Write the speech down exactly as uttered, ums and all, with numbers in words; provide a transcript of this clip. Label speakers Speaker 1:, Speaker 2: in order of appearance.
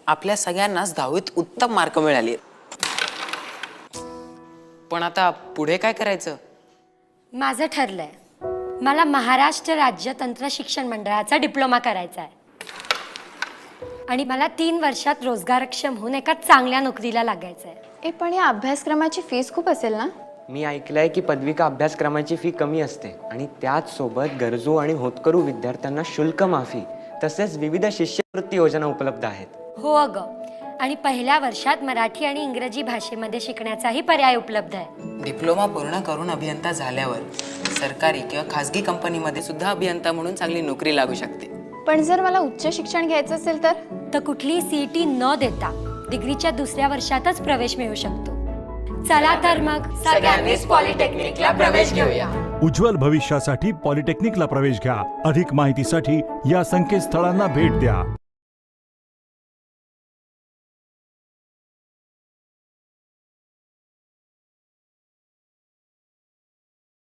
Speaker 1: आपल्या सगळ्यांनाच दहावीत उत्तम मार्क मिळाले, पण आता पुढे काय करायचं?
Speaker 2: माझं ठरलंय, मला महाराष्ट्र राज्य तंत्र शिक्षण मंडळाचा डिप्लोमा करायचा आहे आणि मला तीन वर्षात रोजगारक्षम होऊन एका चांगल्या नोकरीला लागायचं आहे.
Speaker 3: ए पण या अभ्यासक्रमाची फीस खूप असेल ना?
Speaker 4: मी ऐकलंय की पदविका अभ्यासक्रमाची फी कमी असते आणि त्याच सोबत गरजू आणि होतकरू विद्यार्थ्यांना शुल्क माफी तसेच विविध शिष्यवृत्ती योजना उपलब्ध आहेत.
Speaker 2: हो अगं, आणि पहिल्या वर्षात मराठी आणि इंग्रजी भाषेमध्ये शिकण्याचाही पर्याय उपलब्ध आहे.
Speaker 1: डिप्लोमा पूर्ण करून अभियंता झाल्यावर सरकारी किंवा खासगी कंपनीमध्ये सुद्धा अभियंता म्हणून चांगली नोकरी लागू शकते.
Speaker 3: पण जर मला उच्च शिक्षण घ्यायचं असेल तर
Speaker 2: तर कुठलीही सीईटी न देता डिग्रीच्या दुसऱ्या वर्षातच प्रवेश मिळू शकतो. चला तर मग सगळ्यांनीच पॉलिटेक्निकला प्रवेश घेऊया.
Speaker 5: उज्ज्वल भविष्यासाठी पॉलिटेक्निकला प्रवेश घ्या. अधिक माहितीसाठी या संकेतस्थळांना भेट द्या.